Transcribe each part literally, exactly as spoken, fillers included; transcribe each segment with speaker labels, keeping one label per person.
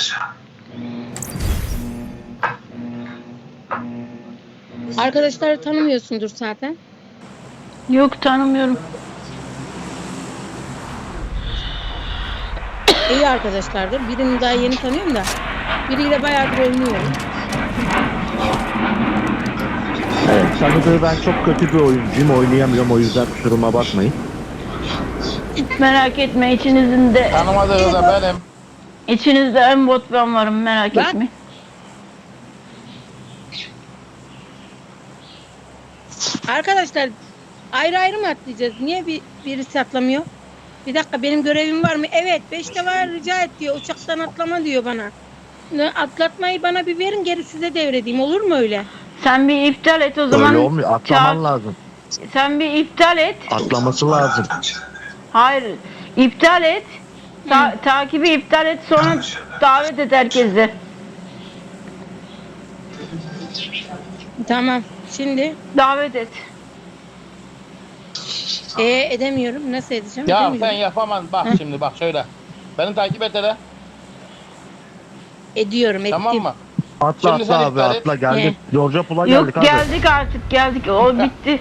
Speaker 1: Arkadaşları tanımıyorsundur zaten.
Speaker 2: Yok, tanımıyorum.
Speaker 1: İyi arkadaşlardır. Birini daha yeni tanıyorum da. Biriyle bayağıdır oynuyorum.
Speaker 3: Evet, tanıdığı ben çok kötü bir oyuncuyum. Oynayamıyorum, o yüzden kusuruma bakmayın.
Speaker 2: Merak etme, içinizin de
Speaker 4: Tanımadığı da benim.
Speaker 2: içinizde en bot ben varım, merak
Speaker 1: Bak.
Speaker 2: etme.
Speaker 1: Arkadaşlar ayrı ayrı mı atlayacağız? Niye bir, birisi atlamıyor? Bir dakika, benim görevim var mı? Evet, beşte var, rica et diyor. Uçaktan atlama diyor bana. Ne, atlatmayı bana bir verin, geri size devredeyim. Olur mu öyle?
Speaker 2: Sen bir iptal et o zaman.
Speaker 3: Öyle olmuyor, atlaman
Speaker 2: Çağır-
Speaker 3: lazım.
Speaker 2: Sen bir iptal et.
Speaker 3: Atlaması lazım.
Speaker 2: Hayır, iptal et. Ta- takibi iptal et, sonra davet et herkesi.
Speaker 1: Tamam. Şimdi
Speaker 2: Davet et.
Speaker 1: e, edemiyorum. Nasıl edeceğim?
Speaker 4: Ya
Speaker 1: Edemiyorum.
Speaker 4: sen yapamam. Bak
Speaker 1: Hı.
Speaker 4: şimdi bak şöyle. Beni takip et hele.
Speaker 1: Ediyorum, ettim.
Speaker 4: Tamam mı?
Speaker 3: Atla
Speaker 4: Şimdi
Speaker 3: atla
Speaker 4: sen
Speaker 3: abi,
Speaker 4: iptal et.
Speaker 3: atla geldik. Georgia Pool'a
Speaker 2: Yok,
Speaker 3: geldik abi.
Speaker 2: geldik artık, geldik. O bitti.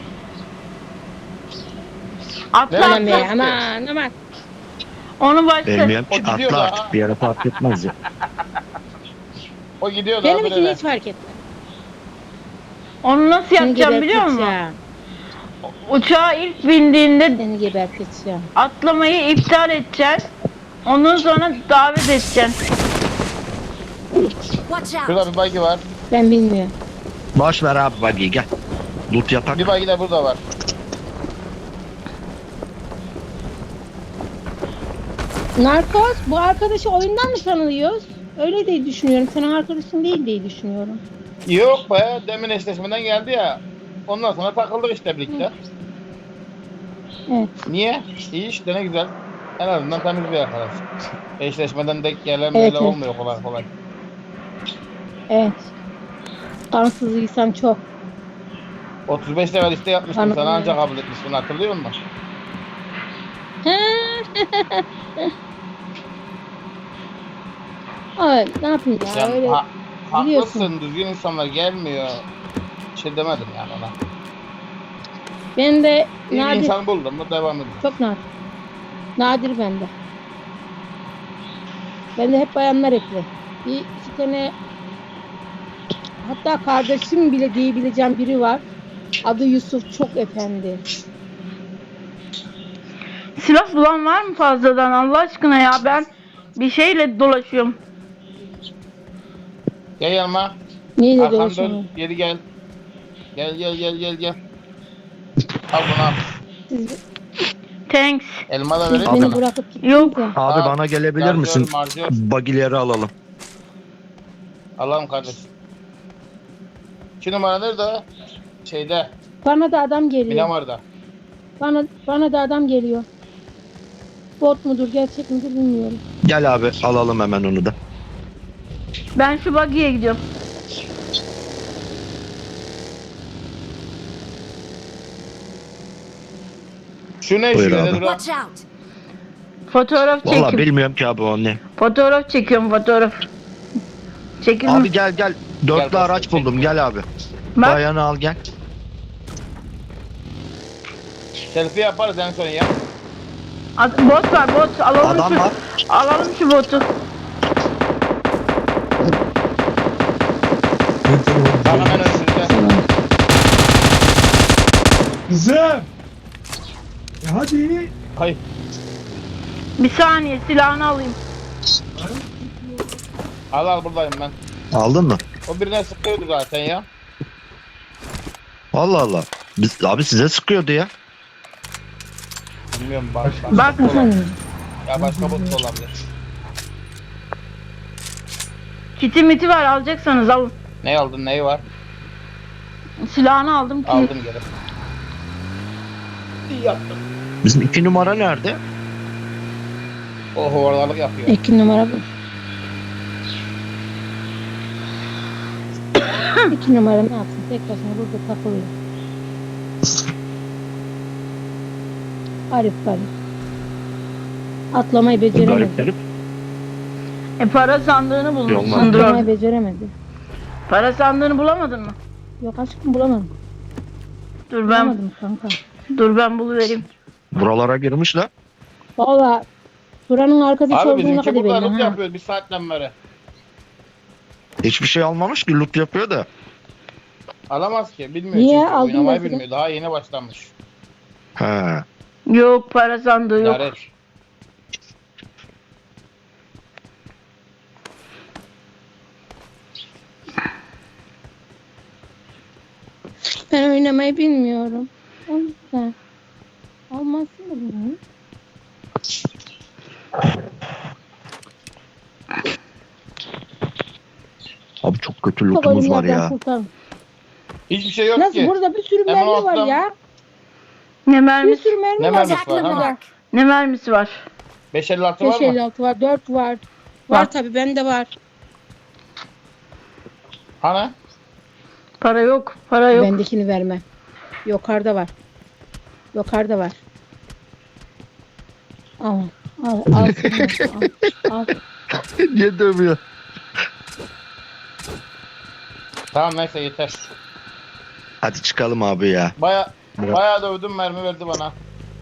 Speaker 2: Atla
Speaker 4: Ne
Speaker 1: Aman
Speaker 2: atla.
Speaker 1: be, aman aman.
Speaker 2: Onu başla.
Speaker 3: Bilmiyorum
Speaker 4: O
Speaker 3: ki,
Speaker 4: gidiyor
Speaker 3: atla
Speaker 4: da.
Speaker 3: artık, bir yere fark etmez ya.
Speaker 4: O gidiyor da.
Speaker 1: Benim
Speaker 4: öbürüne.
Speaker 1: için hiç fark etmez.
Speaker 2: Onu nasıl
Speaker 1: Seni
Speaker 2: yapacağım biliyor musun?
Speaker 1: geberteceğim.
Speaker 2: Uçağa ilk bindiğinde
Speaker 1: Seni geberteceğim.
Speaker 2: atlamayı iptal edeceksin. Ondan sonra davet edeceksin.
Speaker 5: Watch out!
Speaker 4: Şurada bir buggy var.
Speaker 1: Ben bilmiyorum.
Speaker 3: Boş ver abi, buggy gel. Loot yapak.
Speaker 4: Bir buggy de burada var.
Speaker 1: Narkoz, bu arkadaşı oyundan mı tanıyoruz? Öyle diye düşünüyorum. Senin arkadaşın değil diye düşünüyorum.
Speaker 4: Yok be. Demin eşleşmeden geldi ya. Ondan sonra takıldık işte birlikte.
Speaker 1: Evet.
Speaker 4: Niye? İyi işte, ne güzel. En azından temiz bir arkadaş. Eşleşmeden denk gelen
Speaker 1: Evet,
Speaker 4: böyle
Speaker 1: evet.
Speaker 4: olmuyor kolay kolay.
Speaker 1: Evet. Kansızlıysam çok.
Speaker 4: otuz beş level liste yapmıştım.
Speaker 1: Anladım
Speaker 4: Sana
Speaker 1: ya.
Speaker 4: ancak kabul etmişsin, hatırlıyor musun?
Speaker 1: Ay, ne yapayım ya,
Speaker 4: Yani
Speaker 1: öyle
Speaker 4: ha,
Speaker 1: biliyorsun.
Speaker 4: haklısın, düzgün insanlar gelmiyor. Bir şey demedim yani ona.
Speaker 1: Ben de
Speaker 4: İyi bir
Speaker 1: nadir,
Speaker 4: insan buldum mu devam edeceğim.
Speaker 1: çok nadir. Nadir bende. Bende hep bayanlar ekli. Bir iki tane, hatta kardeşim bile diyebileceğim biri var. Adı Yusuf, çok efendi.
Speaker 2: Silah bulan var mı fazladan, Allah aşkına ya, ben bir şeyle dolaşıyorum.
Speaker 4: Gel yanıma.
Speaker 1: Neyle
Speaker 4: Arkamda
Speaker 1: dolaşıyorum?
Speaker 4: geri gel. Gel gel gel gel gel. Al bunu al.
Speaker 1: Siz,
Speaker 2: Thanks.
Speaker 4: Elma da
Speaker 1: siz
Speaker 4: vereyim
Speaker 1: beni
Speaker 4: sana.
Speaker 1: bırakıp gittiniz
Speaker 2: Yok.
Speaker 1: ya.
Speaker 3: Abi
Speaker 4: Al,
Speaker 3: bana gelebilir
Speaker 4: şarjör,
Speaker 3: misin?
Speaker 4: marjör.
Speaker 3: Buggy'leri alalım.
Speaker 4: Alalım kardeşim. İki numara nerede? Şeyde.
Speaker 1: Bana da adam geliyor.
Speaker 4: Minamar'da.
Speaker 1: Bana bana da adam geliyor. Bot mudur, gerçek midir bilmiyorum.
Speaker 3: Gel abi, alalım hemen onu da.
Speaker 2: Ben şu buggy'ye gidiyorum.
Speaker 4: Şu ne
Speaker 3: Buyur
Speaker 4: şu
Speaker 3: abi.
Speaker 4: ne dur?
Speaker 5: Watch out!
Speaker 2: Fotoğraf
Speaker 3: Valla
Speaker 2: çekim.
Speaker 3: bilmiyorum ki abi o ne.
Speaker 2: Fotoğraf çekiyorum, fotoğraf. Çekim.
Speaker 3: Abi gel gel. Dörtlü
Speaker 4: Gel,
Speaker 3: araç
Speaker 4: çek.
Speaker 3: buldum, gel abi.
Speaker 2: Bak,
Speaker 3: Bayanı al gel.
Speaker 4: Selfie yaparız en son ya.
Speaker 2: at- bot var, bot. Alalım
Speaker 3: Adam
Speaker 2: şu,
Speaker 3: var.
Speaker 2: alalım şu botu.
Speaker 4: Bak hemen önümüzde.
Speaker 6: Kızım. Ya hadi.
Speaker 4: Hayır.
Speaker 2: Bir saniye, silahını alayım.
Speaker 4: Al al, buradayım ben.
Speaker 3: Aldın mı?
Speaker 4: O birine sıkıyordu zaten ya.
Speaker 3: Allah Allah. Biz, abi size sıkıyordu ya.
Speaker 4: Bilmiyorum bak. başka
Speaker 2: Bak.
Speaker 4: bot olabilir. Ya başka bot da olabilir.
Speaker 2: Kiti miti var, alacaksanız alın.
Speaker 4: Ne aldın, neyi var?
Speaker 2: Silahını aldım ki.
Speaker 4: Aldım geri. İyi yaptın.
Speaker 3: Bizim iki numara nerede?
Speaker 4: O hovardalık yapıyor.
Speaker 1: İki numara bu. İki numara ne yapsın? Tek başına burada takılıyor. Garip garip. Atlamayı beceremedi.
Speaker 3: Garipleri.
Speaker 2: E para sandığını
Speaker 3: Yok,
Speaker 2: bulmuşsundur
Speaker 1: Atlamayı
Speaker 2: orada.
Speaker 1: beceremedi.
Speaker 2: Para sandığını bulamadın mı?
Speaker 1: Yok aşkım bulamadım.
Speaker 2: Dur ben
Speaker 1: Bulamadım kanka.
Speaker 2: dur ben buluvereyim.
Speaker 3: Buralara girmiş de.
Speaker 1: Valla buranın arkası
Speaker 4: Abi
Speaker 1: olduğuna
Speaker 4: bizimki
Speaker 1: kadar
Speaker 4: burada
Speaker 1: belli.
Speaker 4: loot
Speaker 1: Ha.
Speaker 4: yapıyor bir saatten beri.
Speaker 3: Hiçbir şey almamış ki, loot yapıyor da.
Speaker 4: Alamaz ki bilmiyor
Speaker 1: Niye?
Speaker 4: çünkü
Speaker 1: Aldın
Speaker 4: oynamayı
Speaker 1: mesela.
Speaker 4: bilmiyor. Daha yeni başlamış.
Speaker 3: He.
Speaker 2: Yok para sandığı yok.
Speaker 4: Laret.
Speaker 1: Ben oynamayı bilmiyorum. O yüzden. Almazsın da bunu.
Speaker 3: Abi çok kötü
Speaker 1: Çok
Speaker 3: lootumuz var
Speaker 1: ölümlerden
Speaker 3: ya.
Speaker 1: kurtarın.
Speaker 4: Hiçbir şey yok
Speaker 1: Nasıl
Speaker 4: ki.
Speaker 1: burada bir sürü
Speaker 4: Hemen
Speaker 1: mermi var
Speaker 4: ortadan-
Speaker 1: ya.
Speaker 2: Ne
Speaker 1: Bir
Speaker 2: mermisi?
Speaker 1: sürü mermi
Speaker 4: Ne
Speaker 1: var.
Speaker 4: mermisi var ha?
Speaker 2: Ne mermisi var?
Speaker 4: beş elli altı var
Speaker 1: beş
Speaker 4: mı?
Speaker 1: elli altı var, dört var. Var
Speaker 2: Var.
Speaker 1: tabi bende var.
Speaker 4: Hani?
Speaker 2: Para yok. Para yok.
Speaker 1: Bendekini verme. Yukarıda var. Yukarıda var. Al. Al. Al. al, al.
Speaker 3: Niye dövüyor?
Speaker 4: Tamam neyse yeter.
Speaker 3: Hadi çıkalım abi ya.
Speaker 4: Baya
Speaker 3: Bırak.
Speaker 4: bayağı dövdüm mermi verdi bana.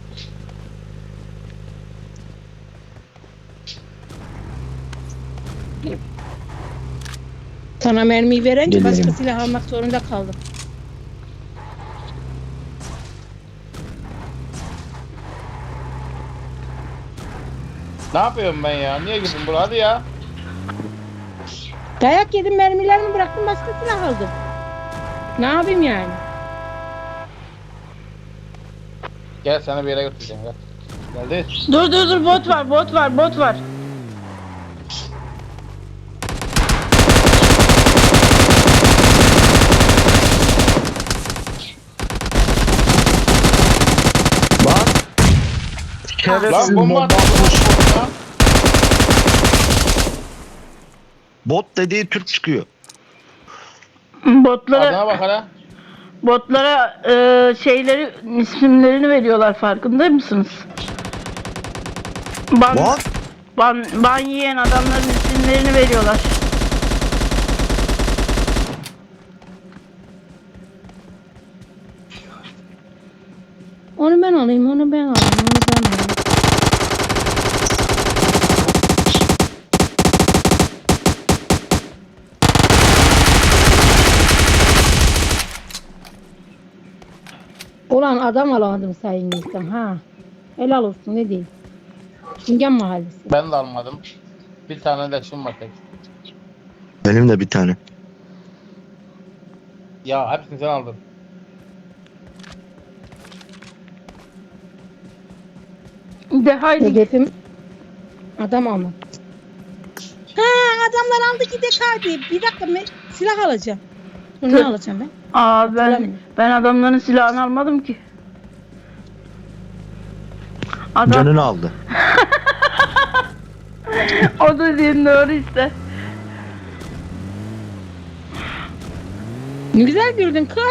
Speaker 1: Sana mermiyi verince
Speaker 3: Gelirim.
Speaker 1: başka silah almak zorunda kaldım.
Speaker 4: Ne yapıyorum ben ya? Niye girdim buraya? Hadi ya.
Speaker 1: Dayak yedim, mermilerimi bıraktım, başka silah aldım. Ne yapayım yani?
Speaker 4: Gel seni bir yere götüreceğim gel. Geldi.
Speaker 2: Dur dur dur bot var bot var bot var.
Speaker 3: Lan.
Speaker 4: Lan
Speaker 3: Şerefsiz
Speaker 4: bomba
Speaker 3: bomba
Speaker 4: atmış.
Speaker 3: atmış.
Speaker 4: Ya.
Speaker 3: Bot dediği Türk çıkıyor.
Speaker 2: Botlara
Speaker 4: Adına bak hele.
Speaker 2: botlara e, şeyleri isimlerini veriyorlar farkında mısınız? Ban,
Speaker 3: What?
Speaker 2: ban, ban yiyen adamların isimlerini veriyorlar.
Speaker 1: Onu ben alayım, onu ben alayım, onu ben alayım. Ulan adam alamadım sayın insan ha. Helal olsun ne diyeyim. Çingen mahallesi.
Speaker 4: Ben de almadım. Bir tane leşim var tek.
Speaker 3: Benim de bir tane.
Speaker 4: Ya hepsini sen aldın.
Speaker 2: De haydi.
Speaker 1: Hedefim adam almak. Ha adamlar aldı gidek hadi. Bir dakika ben silah alacağım. Dur, ne alacağım ben?
Speaker 2: Aa ben
Speaker 1: Hatırlamıyorum.
Speaker 2: ben adamların silahını almadım ki. Adam
Speaker 3: Canını aldı.
Speaker 2: o dediğin doğru işte.
Speaker 1: Ne güzel güldün kız.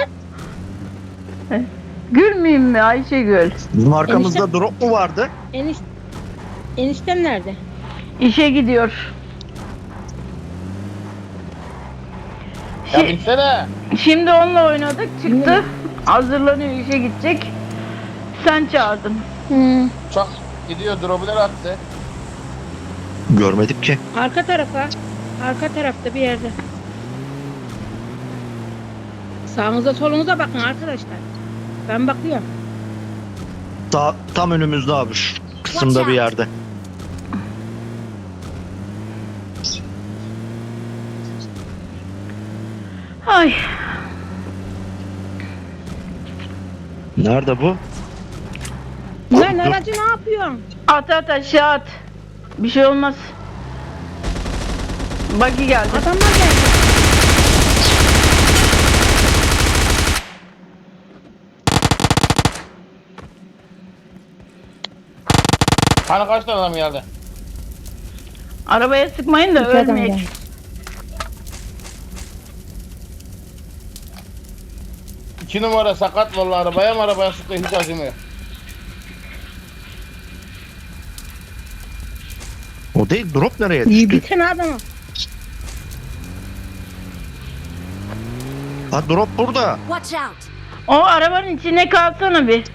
Speaker 2: Gülmeyeyim mi Ayşegül?
Speaker 3: Bizim arkamızda drop mu vardı?
Speaker 1: Eniş eniştem nerede?
Speaker 2: İşe gidiyor.
Speaker 4: Ya
Speaker 2: Şi-
Speaker 4: binsene.
Speaker 2: Şimdi onunla oynadık çıktı. Hazırlanıyor işe gidecek. Sen çağırdın.
Speaker 1: Hmm.
Speaker 4: Çok gidiyor drop'lar attı.
Speaker 3: Görmedik ki.
Speaker 1: Arka tarafa. Arka tarafta bir yerde. Sağınıza solunuza bakın arkadaşlar. Ben bakıyorum.
Speaker 3: Ta tam önümüzde abi, şu kısımda bir yerde.
Speaker 2: Ay.
Speaker 3: Nerede bu?
Speaker 1: Lan
Speaker 3: dur.
Speaker 1: aracı ne yapıyorsun?
Speaker 2: At at aşağı at. Bir şey olmaz. Buggy geldi.
Speaker 1: Adamlar geldi.
Speaker 4: Hani kaç tane adam geldi?
Speaker 2: Arabaya sıkmayın da
Speaker 1: İki adam
Speaker 2: ölmeyek.
Speaker 1: geldi.
Speaker 4: İki numara sakat vallahi arabaya mı arabaya sıktı hiç acımıyor.
Speaker 3: O değil, drop nereye
Speaker 1: İyi bir
Speaker 3: düştü?
Speaker 1: tane adamı.
Speaker 3: Ha, drop burada.
Speaker 5: Watch out!
Speaker 2: O arabanın içine kalsana bir.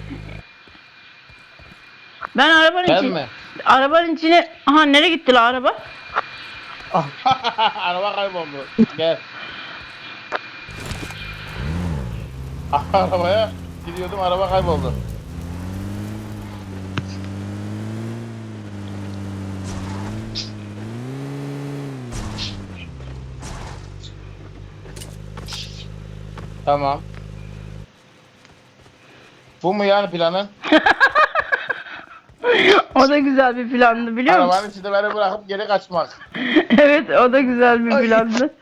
Speaker 2: Ben arabanın
Speaker 4: Ben
Speaker 2: içine...
Speaker 4: mi?
Speaker 2: Arabanın içine... Aha nereye gitti la araba?
Speaker 4: Araba kayboldu. Gel. Arabaya gidiyordum, araba kayboldu. Tamam. Bu mu yani planın?
Speaker 2: O da güzel bir plandı biliyor musun?
Speaker 4: Arabanın içinde beni bırakıp geri kaçmak.
Speaker 2: Evet o da güzel bir plandı.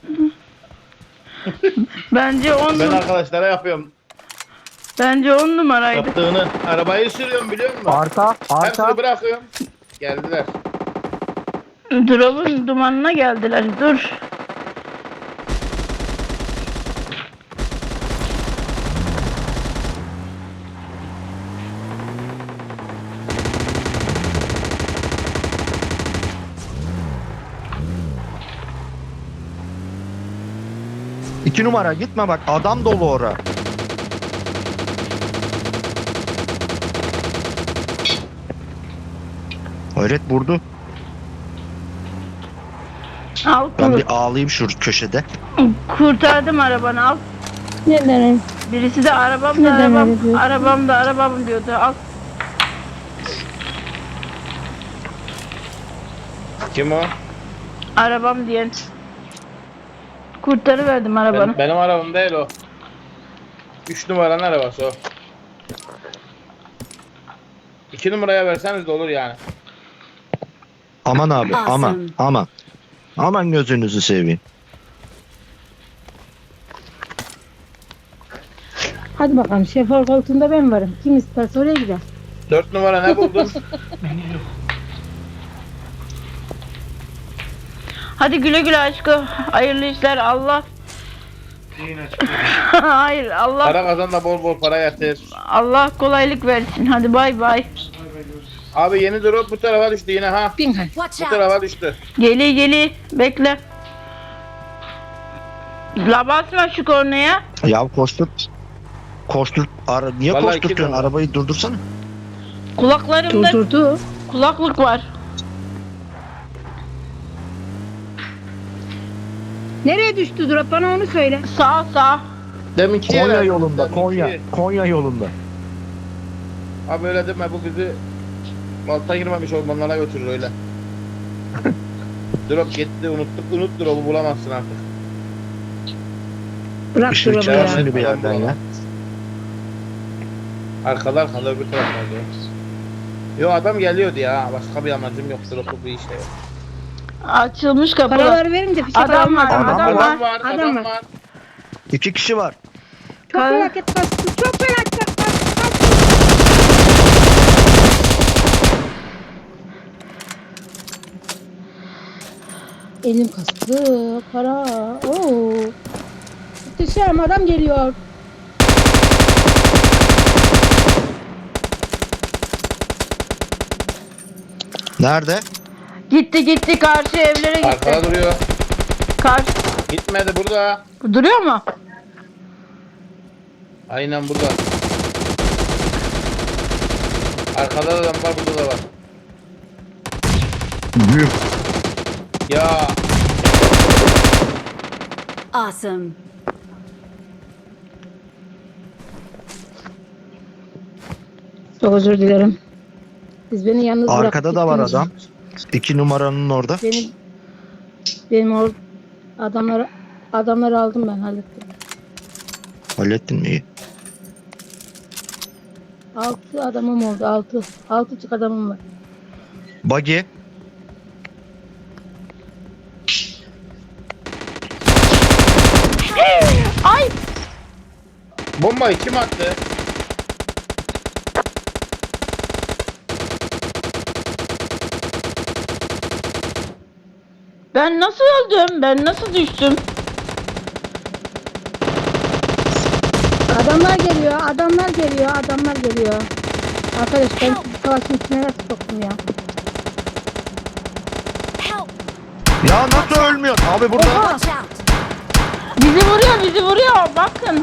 Speaker 2: Bence on
Speaker 4: Ben
Speaker 2: num-
Speaker 4: arkadaşlara yapıyorum
Speaker 2: bence on numaraydı.
Speaker 4: yaptığını. Arabayı sürüyorum biliyor musun?
Speaker 3: Arka,
Speaker 4: Hepsini
Speaker 3: arka.
Speaker 4: bırakıyorum. Geldiler.
Speaker 2: Drop'un dumanına geldiler. Dur.
Speaker 3: İki numara gitme bak, adam dolu ora. Hayret vurdu.
Speaker 2: Al
Speaker 3: Ben
Speaker 2: kur-
Speaker 3: bir ağlayayım şu köşede.
Speaker 2: kurtardım arabanı al.
Speaker 1: Neden?
Speaker 2: Birisi de arabam da
Speaker 1: Neden
Speaker 2: arabam,
Speaker 1: öyle diyorsun?
Speaker 2: arabam da arabam diyordu. Al.
Speaker 4: Kim o?
Speaker 2: Arabam diyen. Kurtarıverdim arabanı.
Speaker 4: Ben, benim arabam değil o. Üç numaranın arabası o. İki numaraya verseniz de olur yani.
Speaker 3: Aman abi, aman,
Speaker 5: Awesome.
Speaker 3: aman. Aman gözünüzü seveyim.
Speaker 1: Hadi bakalım şoför koltuğunda ben varım. Kim isterse oraya gider.
Speaker 4: Dört numara ne buldun?
Speaker 2: Hadi güle güle aşkım. Hayırlı işler Allah. Hayır Allah
Speaker 4: Para kazan da bol bol para yatır.
Speaker 2: Allah kolaylık versin. Hadi bay bay.
Speaker 4: Abi yeni drop bu tarafa düştü yine ha.
Speaker 1: Bin hadi.
Speaker 5: Watch
Speaker 4: Bu
Speaker 5: out!
Speaker 4: tarafa düştü.
Speaker 2: Geli geli bekle. La basma şu kornaya.
Speaker 3: Ya koştur. Koştur. Ara, niye
Speaker 4: Vallahi iki
Speaker 3: koşturtuyorsun?
Speaker 4: numara.
Speaker 3: Arabayı durdursana.
Speaker 2: Kulaklarımda
Speaker 1: Durdurdu.
Speaker 2: kulaklık var.
Speaker 1: Nereye düştü drop? Bana onu söyle.
Speaker 2: Sağ sağ.
Speaker 4: Deminki
Speaker 3: Konya
Speaker 4: yere-
Speaker 3: yolunda,
Speaker 4: deminki-
Speaker 3: Konya. Konya yolunda.
Speaker 4: Abi öyle deme, bu bizi Malta girmemiş ormanlara götürür öyle. Drop gitti, unuttuk, unut drop'u bulamazsın artık.
Speaker 1: Bırak
Speaker 3: Işığı
Speaker 1: drop'u
Speaker 3: çıkar
Speaker 1: ya.
Speaker 3: şimdi bir yerden ya.
Speaker 4: Arkada arkada öbür tarafta diyor. Yo adam geliyordu ya, başka bir amacım yok, drop'u bir işte yok.
Speaker 2: Açılmış kapı.
Speaker 1: Paraları verince fişek
Speaker 2: Adam
Speaker 1: almaz.
Speaker 2: var,
Speaker 3: Adam
Speaker 2: adam
Speaker 3: var.
Speaker 4: Adam var,
Speaker 1: Adam
Speaker 4: adam
Speaker 1: var.
Speaker 4: var.
Speaker 3: İki kişi var.
Speaker 1: Çok
Speaker 2: Kal-
Speaker 1: felaket bastı. Çok felaket bastı. Elim kastı. Para. Oo. Muhteşem adam geliyor.
Speaker 3: Nerede?
Speaker 2: Gitti gitti karşı evlere gitti.
Speaker 4: Arkada duruyor.
Speaker 2: Karşı
Speaker 4: Gitmedi, burada.
Speaker 2: duruyor mu?
Speaker 4: Aynen burada. Arkada da adam var, burada da var.
Speaker 3: Büyük.
Speaker 4: Ya
Speaker 5: Awesome!
Speaker 1: Çok özür dilerim. Siz beni yalnız bırakıp
Speaker 3: Arkada da var
Speaker 1: gittiniz.
Speaker 3: adam. İki numaranın orada.
Speaker 1: Benim benim or adamları adamları aldım ben hallettim.
Speaker 3: Hallettin mi? İyi.
Speaker 1: Altı adamım oldu. Altı. Altı çık adamım var.
Speaker 3: Buggy.
Speaker 2: Ay
Speaker 4: bombayı kim attı?
Speaker 2: ben nasıl öldüm? Ben nasıl düştüm?
Speaker 1: Adamlar geliyor. Adamlar geliyor. Adamlar geliyor. Arkadaş ben sizi savaşın içine nasıl soktum ya?
Speaker 3: Ya nasıl ölmüyor? Abi burada.
Speaker 5: Watch out!
Speaker 2: Bizi vuruyor, bizi vuruyor. Bakın.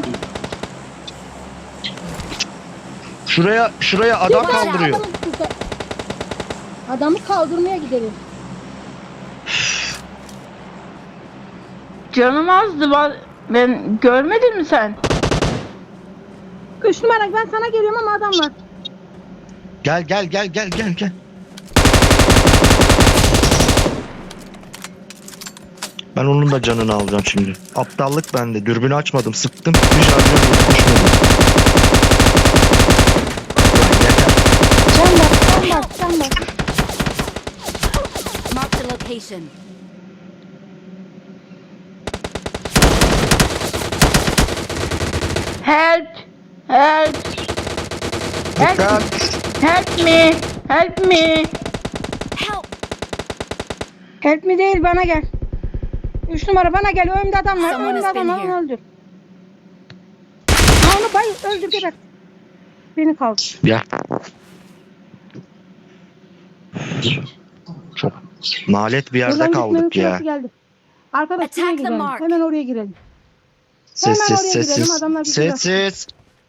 Speaker 3: Şuraya şuraya adam kaldırıyor.
Speaker 1: Adamı, kurtar- adamı kaldırmaya gidelim.
Speaker 2: Canım azdı. ba- Ben görmedin mi sen?
Speaker 1: Üç numara ben sana geliyorum ama adam var.
Speaker 3: Gel gel gel gel gel gel. Ben onun da canını alacağım şimdi. Aptallık bende. Dürbünü açmadım. Sıktım. Bir şarjör yok. Düşmedi. Lan yeter.
Speaker 1: Can bak, can bak, can bak.
Speaker 5: Mark the location.
Speaker 2: Help! Help! Help!
Speaker 3: Dikkat.
Speaker 2: Help me! Help me!
Speaker 5: Help!
Speaker 1: Help mi değil bana gel. Üç numara bana gel. Önümde adam var.
Speaker 5: Someone
Speaker 1: Önümde
Speaker 5: has
Speaker 1: adam
Speaker 5: been
Speaker 1: var. Onu
Speaker 5: here.
Speaker 1: öldür. Ha, onu bay öldür geber. Beni kaldır.
Speaker 3: Gel. Çok nalet bir yerde
Speaker 1: Buradan
Speaker 3: kaldık
Speaker 1: gitmenin
Speaker 3: ya.
Speaker 1: sırası geldi. Arkadaş
Speaker 5: Attack
Speaker 1: şuraya
Speaker 5: the
Speaker 1: gidelim.
Speaker 5: mark.
Speaker 1: Hemen oraya girelim.
Speaker 3: Sessiz
Speaker 1: Hemen oraya girelim,
Speaker 3: sessiz.
Speaker 1: adamlar bizi
Speaker 3: Sessiz.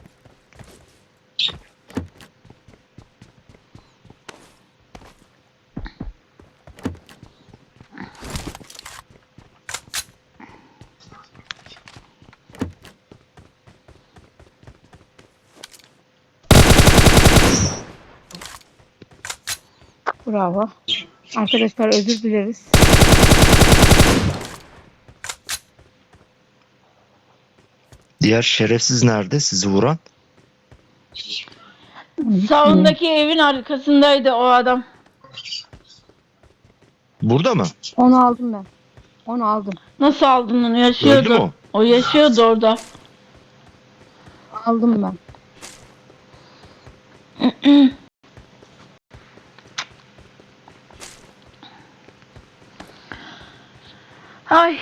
Speaker 1: Bravo. Arkadaşlar özür dileriz.
Speaker 3: Diğer şerefsiz nerede sizi vuran?
Speaker 2: Sağındaki evin arkasındaydı o adam.
Speaker 3: Burada mı?
Speaker 1: Onu aldım ben. Onu aldım.
Speaker 2: Nasıl aldın onu?
Speaker 3: Öldü mü
Speaker 2: Yaşıyordu.
Speaker 3: o?
Speaker 2: O yaşıyordu orada.
Speaker 1: Aldım ben.
Speaker 2: Ay.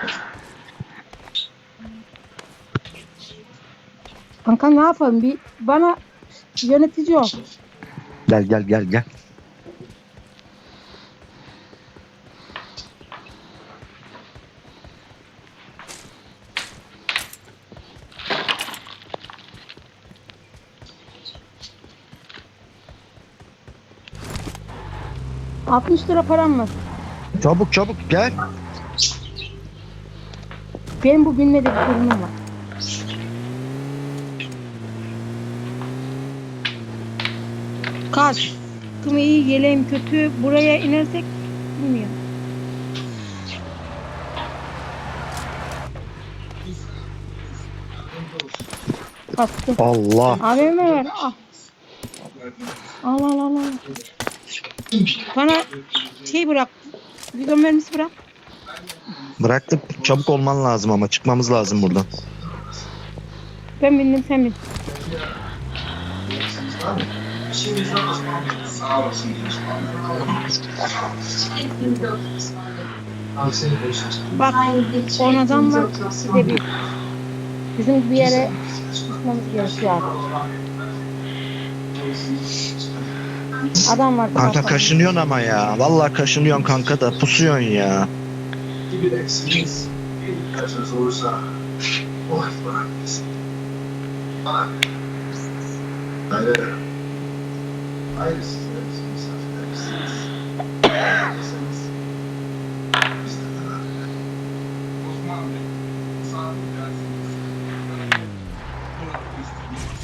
Speaker 1: Kanka ne yapalım? Bir bana yönetici ol.
Speaker 3: Gel gel gel gel.
Speaker 1: altmış lira param var.
Speaker 3: Çabuk çabuk gel.
Speaker 1: Benim bu bilmediği bir durumum var. Kaç. Kım iyi, yeleğim kötü. Buraya inersek bilmiyorum. Kaçtı.
Speaker 3: Allah.
Speaker 1: A V M ver. Al. Al al al al. Bana şey bırak. Bidon mermisi bırak.
Speaker 3: Bıraktık. Çabuk olman lazım ama çıkmamız lazım buradan.
Speaker 1: Ben bindim sen bin. Bak on adam var. Size bir bizim bir yere gitmemiz gerekiyor artık. Adam var.
Speaker 3: Kanka
Speaker 1: tarafta.
Speaker 3: kaşınıyorsun ama ya. Vallahi kaşınıyorsun kanka da pusuyorsun ya.
Speaker 7: gibi de eksiğiniz bir kaçınız olursa o hep bana verirsin. Bana verir. Hayır. Hayır sizler misafirlersiniz. Misafirlersiniz. Biz de beraber. Osman Bey, misafir dersiniz. Buna istediğiniz.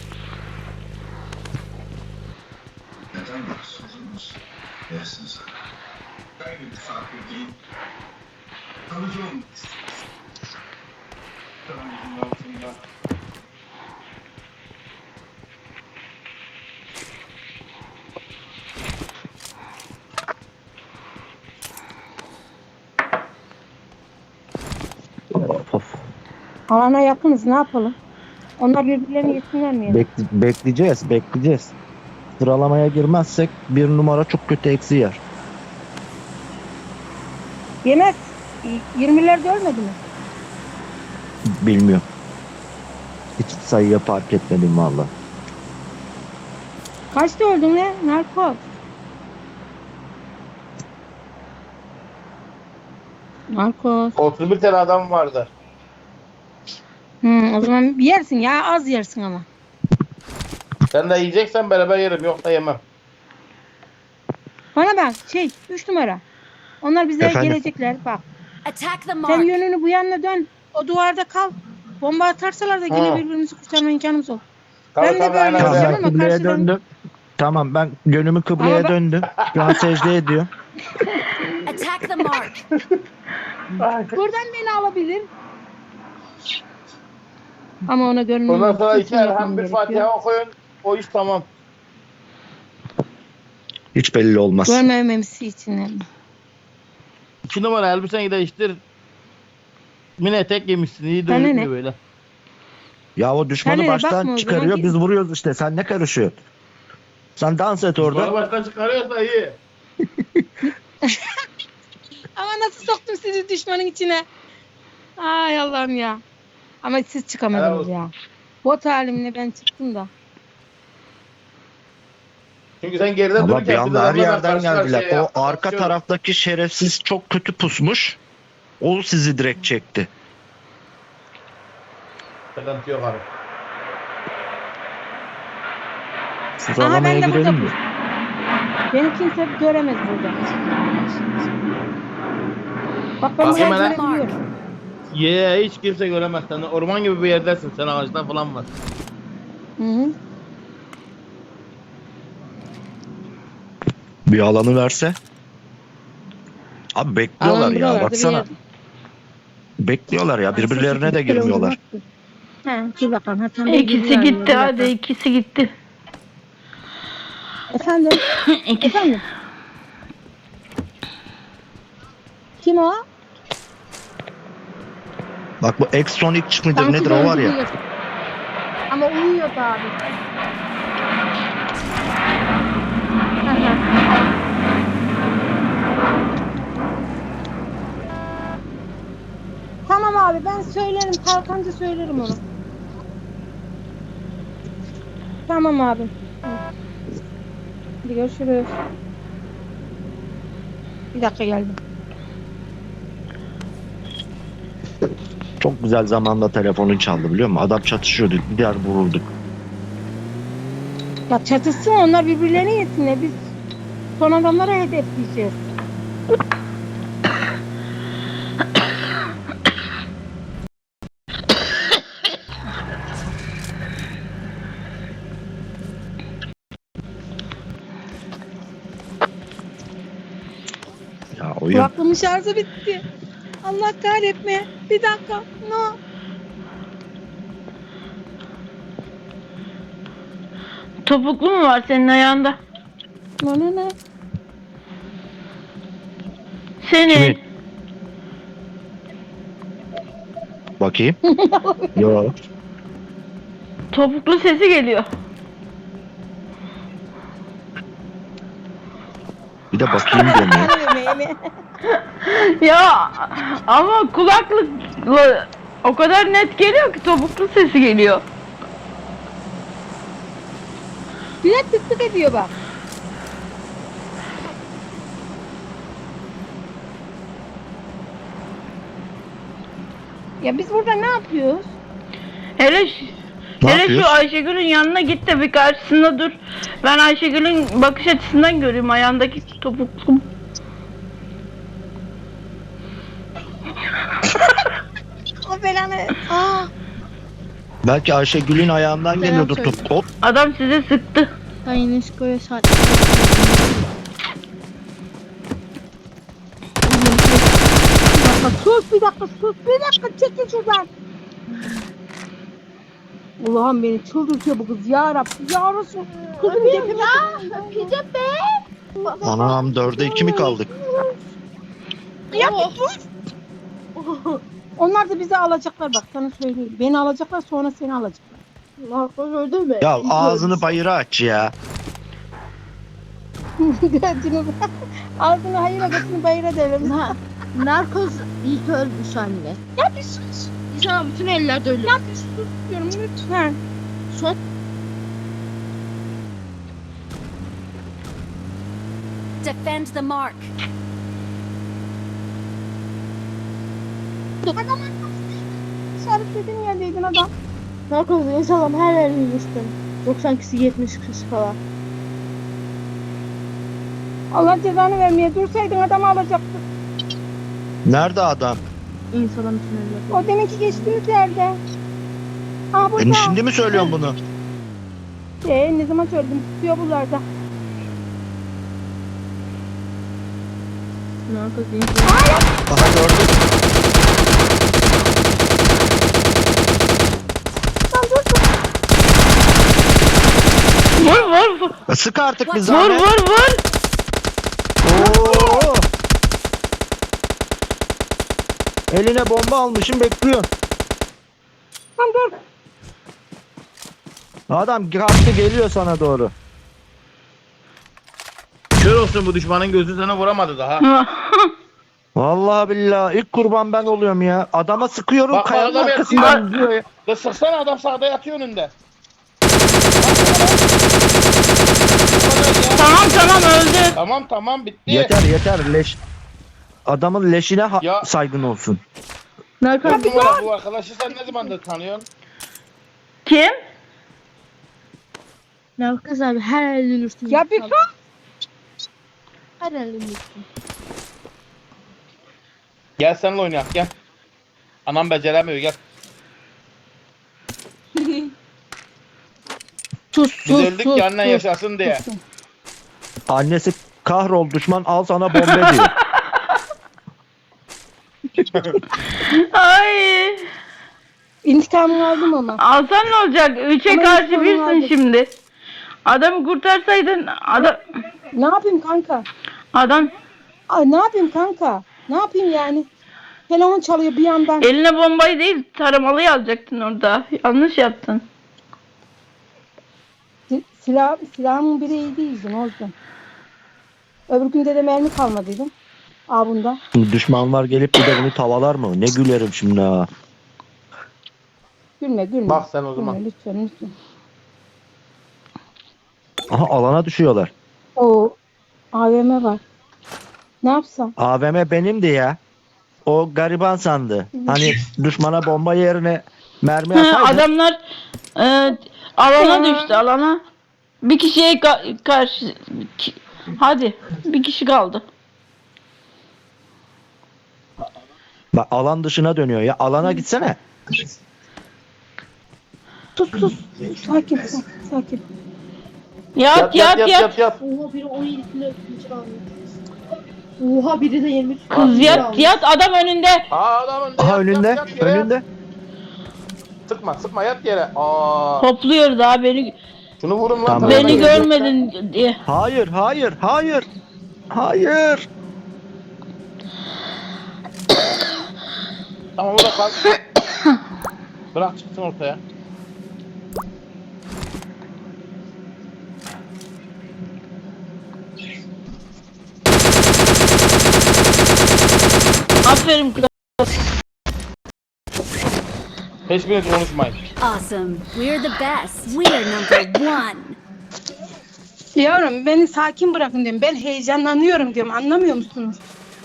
Speaker 7: Neden bahsediyorsunuz? Dersiniz. Ben bir misafir değil. Kalıcı olmak istiyoruz. Karanlığın altında.
Speaker 3: Of.
Speaker 1: Alana yakınız, ne yapalım? Onlar birbirlerini yesinler mi? ya?
Speaker 3: Bekle- bekleyeceğiz, bekleyeceğiz. Sıralamaya girmezsek bir numara çok kötü eksi yer.
Speaker 1: Yemez. yirmilerde ölmedi mi?
Speaker 3: Bilmiyorum. Hiç sayıya fark etmedim valla.
Speaker 1: Kaçta öldün ne? Narkoz. Narkoz.
Speaker 4: otuz bir tane adam vardı.
Speaker 1: Hmm, o zaman yersin ya, az yersin ama.
Speaker 4: Sen de yiyeceksen beraber yerim. Yok da yemem.
Speaker 1: Bana bak şey üç numara. Onlar bize
Speaker 3: Efendim?
Speaker 1: gelecekler bak.
Speaker 5: Attack the
Speaker 1: Sen
Speaker 5: mark.
Speaker 1: yönünü bu yanına dön. O duvarda kal. Bomba atarsalar da yine
Speaker 4: Ha.
Speaker 1: birbirimizi kurtarma imkanımız olur.
Speaker 4: Tabii,
Speaker 1: Ben de
Speaker 4: tabii,
Speaker 1: böyle
Speaker 4: aynen
Speaker 3: Tamam
Speaker 4: öyle.
Speaker 1: yapacağım
Speaker 3: ben
Speaker 1: ama
Speaker 3: kıbleye
Speaker 1: karşıdan...
Speaker 3: döndüm. Tamam ben yönümü kıbleye
Speaker 1: Ama ben-
Speaker 3: döndüm. Şu an secde ediyor.
Speaker 5: Attack the mark.
Speaker 1: Buradan beni alabilir. Ama ona gönlüm
Speaker 4: Ondan sonra iki
Speaker 1: yapmam
Speaker 4: elham bir
Speaker 1: gerekiyor.
Speaker 4: Fatiha okuyun. O iş tamam.
Speaker 3: Hiç belli olmaz.
Speaker 1: Görmememesi için. yani.
Speaker 4: İki numara elbiseni değiştir. Mini etek giymişsin. İyi
Speaker 1: Sana
Speaker 4: gözükmüyor
Speaker 1: ne?
Speaker 4: böyle.
Speaker 3: Ya o düşmanı
Speaker 1: Sen öyle
Speaker 3: baştan
Speaker 1: bakma o zaman,
Speaker 3: çıkarıyor
Speaker 1: git.
Speaker 3: biz vuruyoruz işte. Sen ne karışıyorsun? Sen dans et orada.
Speaker 4: Bana baştan çıkarıyorsa iyi.
Speaker 1: Ama nasıl soktum sizi düşmanın içine? Ay Allah'ım ya. Ama siz
Speaker 4: Helal
Speaker 1: çıkamadınız
Speaker 4: olsun.
Speaker 1: ya. Bot halimle ben çıktım da.
Speaker 4: Çünkü sen geride
Speaker 3: Ama
Speaker 4: dururken
Speaker 3: bir
Speaker 4: biz
Speaker 3: anda her
Speaker 4: adamlarla
Speaker 3: yerden
Speaker 4: karşı
Speaker 3: geldiler.
Speaker 4: karşıya
Speaker 3: O
Speaker 4: yaptık,
Speaker 3: arka
Speaker 4: konuşuyorduk.
Speaker 3: taraftaki şerefsiz çok kötü pusmuş. O sizi direkt çekti.
Speaker 4: Sıkıntı yok abi.
Speaker 3: Sıralamaya
Speaker 1: ben de
Speaker 3: girelim
Speaker 1: burada-
Speaker 3: mi?
Speaker 1: Beni kimse göremez burada. Bak ben
Speaker 4: Bakayım
Speaker 1: burayı
Speaker 4: hele.
Speaker 1: görebiliyorum.
Speaker 4: Ye hiç kimse göremez seni. Orman gibi bir yerdesin. Sen ağaçta falan var.
Speaker 1: Hı hı.
Speaker 3: Bir alanı verse. Abi bekliyorlar
Speaker 1: Alan
Speaker 3: ya
Speaker 1: buralarda bir
Speaker 3: baksana.
Speaker 1: yer.
Speaker 3: Bekliyorlar ya birbirlerine de girmiyorlar.
Speaker 1: Ha, dur bakalım. Ha, tam
Speaker 2: İkisi
Speaker 1: bilgiler
Speaker 2: gitti
Speaker 1: veriyor, bir
Speaker 2: hadi
Speaker 1: dakika.
Speaker 2: ikisi gitti.
Speaker 1: Efendim?
Speaker 2: İkisi.
Speaker 1: Efendim? Kim o?
Speaker 3: Bak bu Exonic mıdır
Speaker 1: Sanki
Speaker 3: nedir o var ya.
Speaker 1: benziyor. Ama uyuyordu abi. Hı hı. Tamam abi ben söylerim. Kalkanca söylerim onu. Tamam abi. Hadi görüşürüz. Bir dakika geldim.
Speaker 3: Çok güzel zamanda telefonun çaldı biliyor musun? Adam çatışıyordu. Gider vururduk.
Speaker 1: Ya çatışsın onlar birbirlerine yesinler. Biz son adamlara hedefleyeceğiz.
Speaker 3: Ya oyun.
Speaker 1: Kulaklığımın şarjı bitti. Allah kahretme. Bir dakika. No.
Speaker 2: Topuklu mu var senin ayağında?
Speaker 1: No no no.
Speaker 2: Senin.
Speaker 3: Kimin? Bakayım. Yo.
Speaker 2: Topuklu sesi geliyor.
Speaker 3: Bir de bakayım demiyor.
Speaker 1: Yemeğimi.
Speaker 2: Ya ama kulaklıkla o kadar net geliyor ki topuklu sesi geliyor.
Speaker 1: Bir de tık tık ediyor bak. Ya biz burada ne yapıyoruz?
Speaker 2: Hele şu,
Speaker 3: Ne
Speaker 2: hele şu
Speaker 3: yapıyoruz?
Speaker 2: Ayşegül'ün yanına git de bir karşısında dur. Ben Ayşegül'ün bakış açısından göreyim ayağındaki topuklu.
Speaker 1: O belanı. Aa.
Speaker 3: Belki Ayşegül'ün ayağından geliyordur
Speaker 1: söyle.
Speaker 3: top. Hop.
Speaker 2: Adam size sıktı.
Speaker 1: Sayın Esko'ya saat. Bir dakika sus bir dakika sus bir dakika çekil şuradan. Allah'ım beni çıldırtıyor bu kız ya Rabbi ya Resul. Kızım tepeme ya öpeceğim be.
Speaker 3: Anam dörde iki mi kaldık?
Speaker 1: Ya bir dur. Onlar da bizi alacaklar bak sana söylüyorum. Beni alacaklar sonra seni alacaklar. Narkoz öldü mü?
Speaker 3: Ya ağzını bayıra aç ya.
Speaker 1: Gördünüz mü? Ağzını hayıra götünü bayıra devrim.
Speaker 8: Narkoz ilk ölmüş anne.
Speaker 1: Ya bir sus.
Speaker 8: İnsan bütün ellerde ölür.
Speaker 1: Ya bir sus diyorum lütfen.
Speaker 8: Son
Speaker 5: Defend the mark.
Speaker 1: İşaretledim yerdeydin adam.
Speaker 8: Narkoz insanlar her yerini üstüm. doksan kişi yetmiş kişi falan.
Speaker 1: Allah cezanı vermeye dursaydın adamı alacaktın.
Speaker 3: Nerede adam?
Speaker 8: İnsanın bütün eller.
Speaker 1: O deminki geçtiğimiz yerde. Aa burada.
Speaker 3: E, şimdi mi söylüyorsun bunu?
Speaker 1: Ee, ne zaman söyledim? Tutuyor buralarda.
Speaker 8: Narkoz insanlar.
Speaker 3: Aha gördüm.
Speaker 2: Vur vur vur.
Speaker 3: E, Sık artık bir
Speaker 2: Vur
Speaker 3: zahmet.
Speaker 2: vur vur.
Speaker 3: Oo. Eline bomba almışım bekliyor.
Speaker 1: Lan dur.
Speaker 3: Adam kalktı geliyor sana doğru.
Speaker 4: Kör olsun bu düşmanın gözü sana vuramadı daha.
Speaker 3: Vallahi billahi ilk kurban ben oluyorum ya. Adama sıkıyorum
Speaker 4: Bak,
Speaker 3: kayanın
Speaker 4: adam
Speaker 3: arkasından
Speaker 4: yatıyor.
Speaker 3: gidiyor ya.
Speaker 4: Da sıksana adam sağda yatıyor önünde.
Speaker 2: Tamam tamam öldü.
Speaker 4: Tamam tamam bitti.
Speaker 3: Yeter yeter leş. Adamın leşine ha-
Speaker 4: Ya.
Speaker 3: saygın olsun.
Speaker 8: Narkoz.
Speaker 4: Bu numara bu arkadaşı sen ne zamandır tanıyorsun?
Speaker 2: Kim?
Speaker 8: Narkoz abi her yerini üstüm.
Speaker 1: Ya bir sus.
Speaker 8: Her yerini üstüm.
Speaker 4: Gel seninle oynayak gel. Anam beceremiyor gel.
Speaker 1: Sus
Speaker 4: Biz
Speaker 1: sus
Speaker 4: öldük
Speaker 1: sus.
Speaker 4: ki annen
Speaker 1: sus.
Speaker 4: yaşasın diye.
Speaker 3: Annesi kahrol düşman al sana bombe diyor.
Speaker 2: Ay.
Speaker 1: İntikamını aldım ama.
Speaker 2: Alsan ne olacak? Üçe
Speaker 1: Ama
Speaker 2: karşı
Speaker 1: insan
Speaker 2: birsin
Speaker 1: vardı.
Speaker 2: şimdi. Adamı kurtarsaydın adam
Speaker 1: Ne yapayım kanka?
Speaker 2: adam
Speaker 1: Ay ne yapayım kanka? Ne yapayım yani? Telefon çalıyor bir yandan.
Speaker 2: eline bombayı değil taramalıyı alacaktın orada. Yanlış yaptın.
Speaker 1: Si- Silah, silahımın biri iyi değildi ne oldu? Öbür günde de mermi kalmadıydı. Aa bunda.
Speaker 3: Düşmanlar gelip bir de bunu tavalar mı? Ne gülerim şimdi ha.
Speaker 1: Gülme gülme.
Speaker 4: Bak sen o zaman.
Speaker 1: Gülme lütfen lütfen.
Speaker 3: Aha alana düşüyorlar.
Speaker 1: O A V M var. Ne yapsam?
Speaker 3: A V M benimdi ya. O gariban sandı. Hani düşmana bomba yerine mermi
Speaker 2: Hı,
Speaker 3: ataydı.
Speaker 2: adamlar e, alana
Speaker 1: Ya.
Speaker 2: düştü alana. Bir kişiye ka- karşı ki- hadi bir kişi kaldı.
Speaker 3: Bak alan dışına dönüyor ya. Alana gitsene.
Speaker 1: Sus sus. Sakin sakin. sakin.
Speaker 2: Yat yat yat.
Speaker 4: yat yat.
Speaker 8: Oha biri on yedi kilo ikinci aldı. Oha biri de yirmi üç kilo.
Speaker 2: Kız yat yat adam önünde.
Speaker 4: Aa adam önünde
Speaker 3: Aha
Speaker 4: yat,
Speaker 3: önünde.
Speaker 4: yat, yat yere.
Speaker 3: Önünde.
Speaker 4: Sıkma sıkma yat yere. Aa.
Speaker 2: Topluyor daha beni
Speaker 4: Şunu vurun lan.
Speaker 3: Tamam.
Speaker 2: beni
Speaker 4: tarafa.
Speaker 2: görmedin diye.
Speaker 3: Hayır, hayır, hayır. Hayır.
Speaker 4: Tamam bırak kal. Bırak çıksın ortaya.
Speaker 2: Aferin kız.
Speaker 4: Hiçbiriniz konuşmayın.
Speaker 5: Awesome. We're the best. We're number one.
Speaker 1: Diyorum beni sakin bırakın diyorum. Ben heyecanlanıyorum diyorum. Anlamıyor musunuz?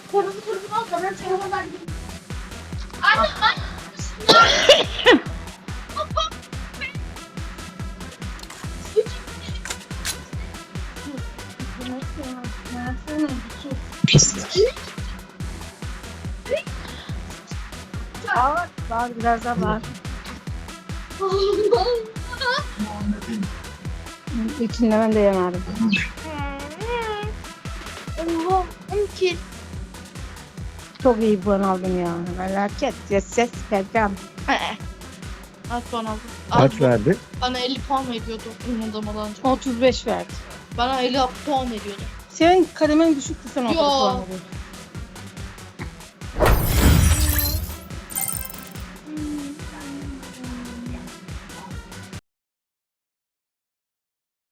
Speaker 1: Var, var biraz daha var. İçinde ben de yemedim.
Speaker 8: Oha on kill.
Speaker 1: Çok iyi puan aldım ya. Felaket. Ses ses Berkam.
Speaker 8: Kaç puan aldım?
Speaker 3: Kaç
Speaker 8: Abi,
Speaker 3: verdi?
Speaker 8: bana elli puan mı ediyordu oynadamadan önce?
Speaker 1: otuz beş verdi.
Speaker 8: Bana elli puan ediyordu.
Speaker 1: Senin kademen düşüktü sen o
Speaker 8: Yo.
Speaker 1: kadar puan alıyordun.